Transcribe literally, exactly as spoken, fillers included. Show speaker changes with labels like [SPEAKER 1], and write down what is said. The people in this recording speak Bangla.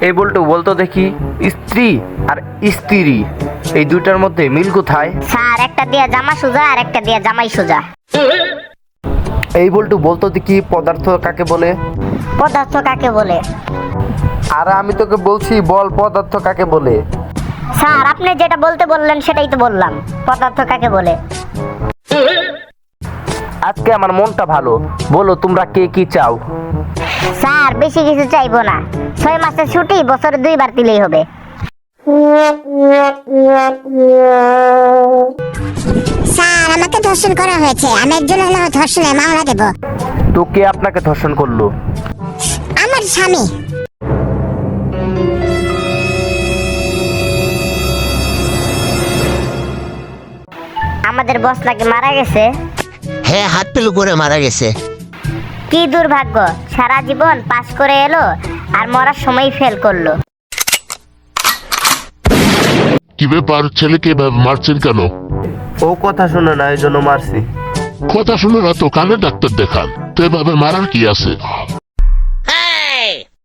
[SPEAKER 1] এই বল্টু বলতো দেখি, স্ত্রী আর স্ত্রী এই দুইটার মধ্যে মিল কোথায়?
[SPEAKER 2] স্যার একটা দিয়া জামা সোজা আর একটা দিয়া জামাই সোজা।
[SPEAKER 1] এই বল্টু বলতো দেখি, পদার্থ কাকে বলে?
[SPEAKER 2] পদার্থ কাকে বলে?
[SPEAKER 1] আর আমি তোকে বলছি বল, পদার্থ কাকে বলে?
[SPEAKER 2] স্যার আপনি যেটা বলতে বললেন সেটাই তো বললাম, পদার্থ কাকে বলে।
[SPEAKER 1] আজকে আমার মনটা ভালো, বলো তোমরা কে কি চাও?
[SPEAKER 2] স্যার বেশি কিছু চাইবো না, ছয় মাসের ছুটি বছরে দুইবার দিলেই হবে।
[SPEAKER 3] স্যার আমাকে ধর্ষণ করা হয়েছে, আমি একজন হলো ধর্ষণের মামলা দেব।
[SPEAKER 1] তো কে আপনাকে ধর্ষণ করলো?
[SPEAKER 3] আমার স্বামী।
[SPEAKER 2] আমাদের বস নাকি মারা গেছে।
[SPEAKER 4] হ্যাঁ, হাত পেলু করে মারা গেছে।
[SPEAKER 2] কি দুর্ভাগ্য, সারা জীবন পাস করে এলো আর মরার সময় ফেল করলো।
[SPEAKER 5] কি ব্যাপার, ছেলেকে এভাবে মারছেন কেন?
[SPEAKER 1] ও কথা শুনে না, এই জন্য মারছি।
[SPEAKER 5] কথা শুনে না তো কানে ডাক্তার দেখান, তো এভাবে মারার কি আছে?